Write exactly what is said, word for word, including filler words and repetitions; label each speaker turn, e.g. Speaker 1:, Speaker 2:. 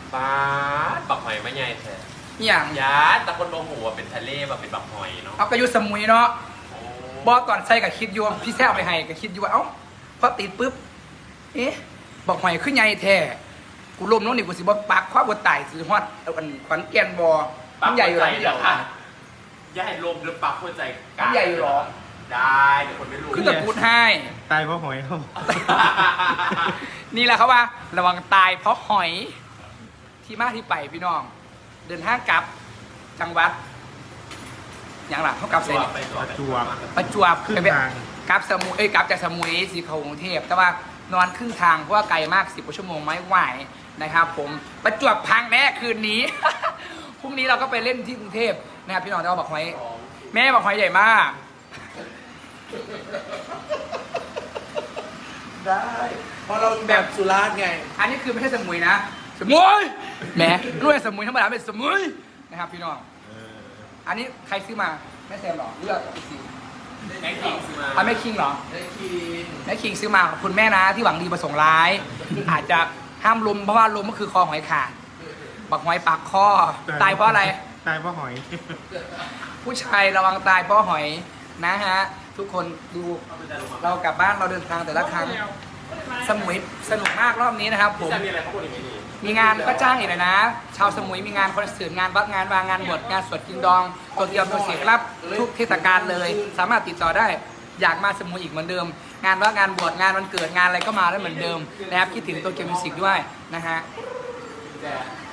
Speaker 1: ป้าดบักหอยไม่ใหญ่แท้
Speaker 2: อหย่าง
Speaker 1: ยาดแต่คนบอกหัวเป็นทะเลแบบเป็นบักหอยเนาะ
Speaker 2: เอากระยุสมุยเนาะ
Speaker 1: โอ้
Speaker 2: บอกก่อนใส่กับคิดอยู่ว่าพี่แซ่เอาไปให้กับคิดอยู่ว่าเอ้าพอติดปุ๊บเอ๊ะบอกหอยขึ้นใหญ่แท้กูล้มน้องนี่กูสิบ่ปากคว้าบ่ตายสิฮอดเอาอันขวัญแก่นบ่มันใหญ่อยู่หรอ
Speaker 1: เหรอคะย่าให้ลมหรือปักหัวใจกลาง
Speaker 2: ใหญ่อยู่หรอ
Speaker 1: ได้เดี๋ยวคนไม่รู้
Speaker 2: คือตะพูดให้
Speaker 3: ตายเพราะหอยเขา
Speaker 2: นี่แหละเขาว่า ระวังตายเพราะหอยที่มาที่ไปพี่น้อง เดินทางกลับจังหวัดอย่างหลังเขากลับเสร็จ
Speaker 1: ไปก่อน
Speaker 3: จวบ
Speaker 2: ประจวบ
Speaker 3: ครึ่ง
Speaker 2: ไป
Speaker 3: ทาง
Speaker 2: กลับสมุยเอ้ยกลับจากสมุยสีเขากรุงเทพแต่ว่านอนครึ่งทางเพราะว่าไกลมากสิบกว่าชั่วโมงไม่ไหวนะครับ ผมประจวบพังแน่คืนนี้ พรุ่งนี้เราก็ไปเล่นที่กรุงเทพนะครับพี่น้องจะเอาบอกหอยแม่บอกหอยใหญ่มาก
Speaker 4: ได้เพราะเราแบบสุราษฎร์ไง
Speaker 2: อันนี้คือไม่ใช่สมุยนะ สมุยแหมรู้ว่าสมุยธรรมดาเป็นสมุยนะครับพี่น้อง
Speaker 3: เออ
Speaker 2: อันนี้ใครซื้อมาแม่แซมเหรอเลือกอีกที
Speaker 1: แม็กกิ้งซื้อมา
Speaker 2: อ่ะแม่คิงเหรอ
Speaker 4: ได้กิน
Speaker 2: แม่คิงซื้อมาขอบคุณแม่นะที่หวังดีประสงค์ร้าย อาจจะห้ามลมเพราะว่าลมก็คือคอหอยขาดบักหอยปากคอตายเพราะอะไร
Speaker 3: ตายเพราะหอย
Speaker 2: ผู้ชายระวังตายเพราะหอยนะฮะ ทุกคนดูเรากลับบ้านเราเดินทางแต่ละครั้ง สมุยสนุกมากรอบนี้นะครับผม
Speaker 1: จะมีอะไรพวกคนอย่างนี้
Speaker 2: มีงานก็จ้างอีกเลยนะ ชาวสมุยมีงานคอนเสิร์ตงานวัดงานวางงานบวชงานสวดกินดองตัวเดียวตัวเสียรับทุกเทศกาลเลย สามารถติดต่อได้ อยากมาสมุยอีกเหมือนเดิม งานว่างานบวชงานวันเกิดงานอะไรก็มาได้เหมือนเดิมนะครับคิดถึงตัวเกียวมิวสิกด้วยนะฮะ